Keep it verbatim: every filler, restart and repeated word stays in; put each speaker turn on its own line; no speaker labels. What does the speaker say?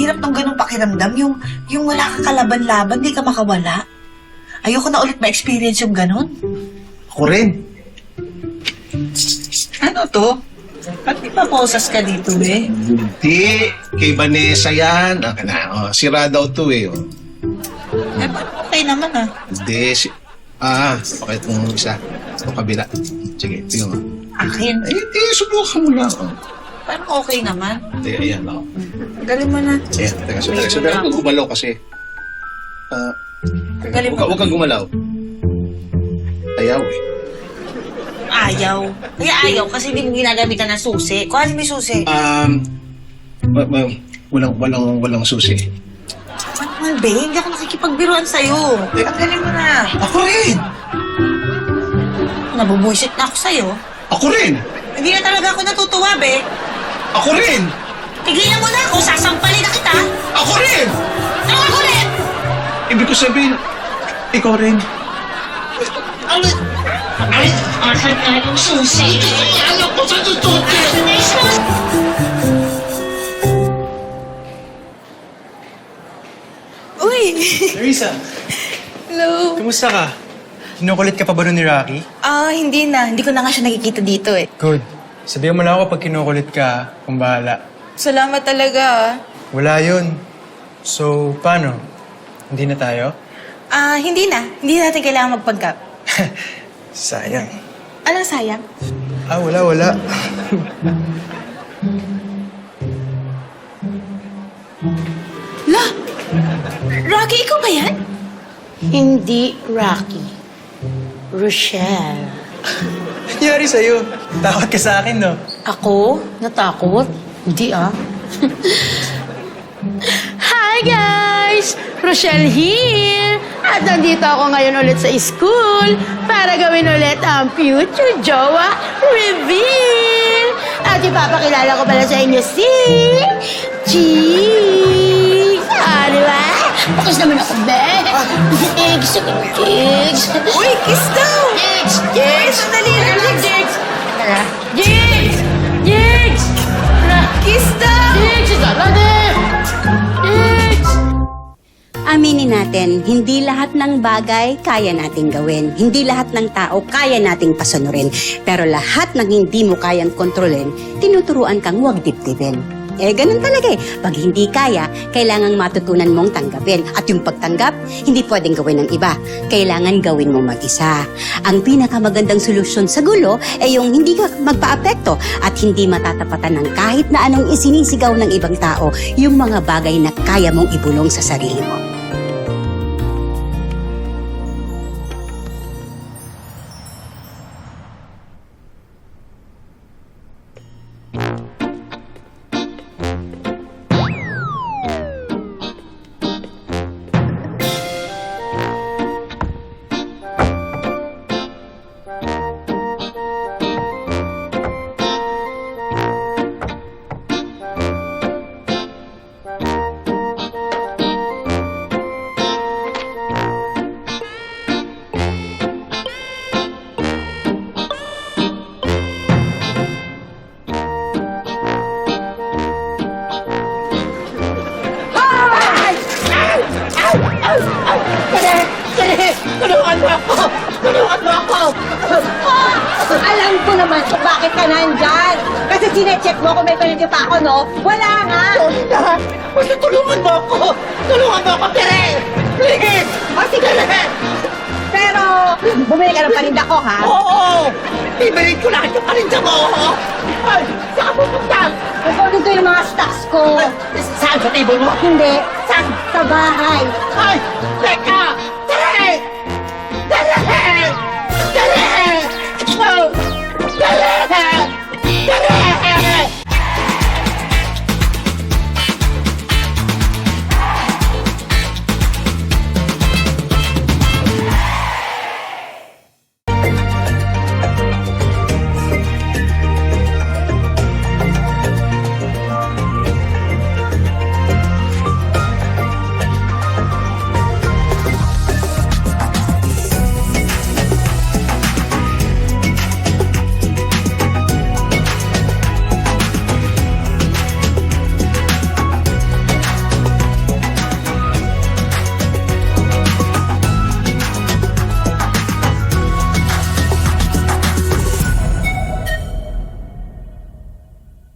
hirap ng ganung pakiramdam. Yung, yung wala kang kalaban-laban, di ka makawala. Ayoko na ulit ma-experience yung ganun.
Ako rin.
Ano to? Ba't di pa posas ka dito, eh?
Hindi. Kay Vanessa yan. Ah, na, oh, sira daw to eh. Oh.
Eh, ba't okay naman, ah?
Hindi. Si... Ah, okay itong isa. Itong kabila. Sige, ito yung...
Akin?
Ay, hindi. Subukan mo lang. Oh.
Parang okay naman.
Hindi, ayan. Oh.
Galing mo na.
Ayan, teka. So, teka. So, teka. Huwag gumalaw kasi. Ah...
Galing
Huwag
mo.
huwag kang gumalaw. Ayaw eh.
Ayaw. Kaya ayaw kasi hindi mo ginagamitan ng susi. Kuha mo yung susi.
Um... wa- wa- walang, walang, walang susi.
Ano man, be? Hindi ako nakikipagbiruan sa'yo. Tanggalin mo na.
Ako rin!
Nabubuisit na ako sa'yo.
Ako rin!
Hindi na talaga ako natutuwa, be.
Ako rin!
Tigilan mo na ako. Sasampalin na kita.
Ako rin!
Ano ako rin?
Ibig ko sabihin, ikaw rin.
Ano? Ay, asan na yung susi? Alam ko sa tututi. Asan na yung susi?
Uy!
Larissa,
Hello!
kumusta ka? Kinukulit ka pa ba nun ni Rocky?
Ah, hindi na. Hindi ko na nga siya nakikita dito eh.
Good. Sabihan mo lang ako pag kinukulit ka, kung bahala.
Salamat talaga ah.
Wala yun. So, paano? Hindi na tayo?
Ah, hindi na. Hindi natin kailangan magpanggap.
Sayang.
Anong sayang?
Ah, wala, wala.
La! Rocky, ikaw ba yan?
Hindi Rocky. Rochelle.
Nangyari sa'yo. Takot ka sa akin, no?
Ako? Natakot? Hindi ah. Hi guys! Rochelle here! At nandito ako ngayon ulit sa school para gawin ulit ang future jowa reveal! At ipapakilala ko pala sa inyo si... Cheeks! Ah, di ba? Pakas naman ako, be! Cheeks! Cheeks!
Uy, kiss daw!
Jigs!
Uy,
Jigs!
sandali lang.
Jigs! Jigs! Jigs!
Kiss daw!
Jigs! Jigs! Jigs!
Aminin natin, hindi lahat ng bagay kaya nating gawin. Hindi lahat ng tao kaya nating pasunurin. Pero lahat ng hindi mo kayang kontrolin, tinuturuan kang huwag dibdibin. Eh, ganun talaga eh. Pag hindi kaya, kailangang matutunan mong tanggapin. At yung pagtanggap, hindi pwedeng gawin ng iba. Kailangan gawin mo mag-isa. Ang pinakamagandang solusyon sa gulo ay yung hindi ka magpa-apekto at hindi matatapatan ng kahit na anong isinisigaw ng ibang tao yung mga bagay na kaya mong ibulong sa sarili mo.
Tulungan mo ako! Tulungan mo ako!
Alam ko naman kung bakit ka nandyan. Kasi sinecheck mo kung may pinag pa ako, no? Wala nga!
Sorry na! Basta tulungan mo ako! Tulungan mo ako, Tere! Please! O sige na!
Pero, bumili ka ng paninda ko, ha?
Oo! Ibilin ko lahat yung paninda mo! Ay! Saan ka pupunta?
Kukunin ko yung mga stocks ko.
Saan sa table mo?
Hindi,
Saan?
sa bahay.
Ay! Teka! Tere! Tere!